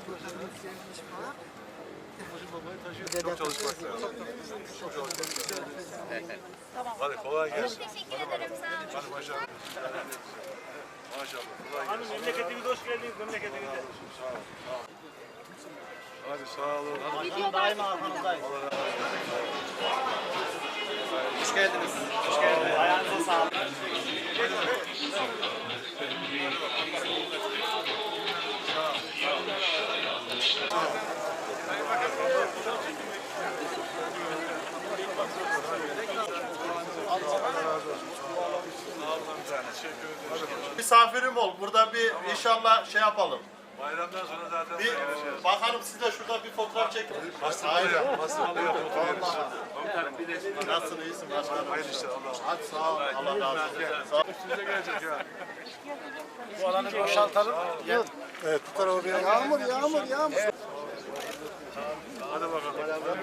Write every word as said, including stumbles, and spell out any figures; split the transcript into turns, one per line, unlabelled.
Babayı taşıyor. Çok çalışmak lazım. Çok çalışmak lazım. Hadi kolay gelsin.
Teşekkür ederim, sağ olun.
Hadi maşallah. Maşallah. Kolay gelsin.
Hanım memleketimize hoş geldiniz, memleketimize.
Sağ ol. Sağ ol. Hadi sağ olun.
Hanım daima arkanızdayız.
Hoş geldiniz. Hoş geldiniz.
Ayağınıza sağlık.
Misafirim ol. Burada bir inşallah şey yapalım.
Bayramdan sonra zaten
Bir
geleceğiz.
bakalım siz de şurada bir fotoğraf çekin.
Hastalığı yap. Hastalığı yap.
Nasılsın, iyisin başkanım?
Hayırlı işler. Allah'a emanet.
Hadi sağ ol. Allah razı olsun. Sağ ol.
Size gelecek ya.
Bu alanı boşaltalım.
Evet, bu tarafa bir yağmur, yağmur, yağmur. Hadi bakalım.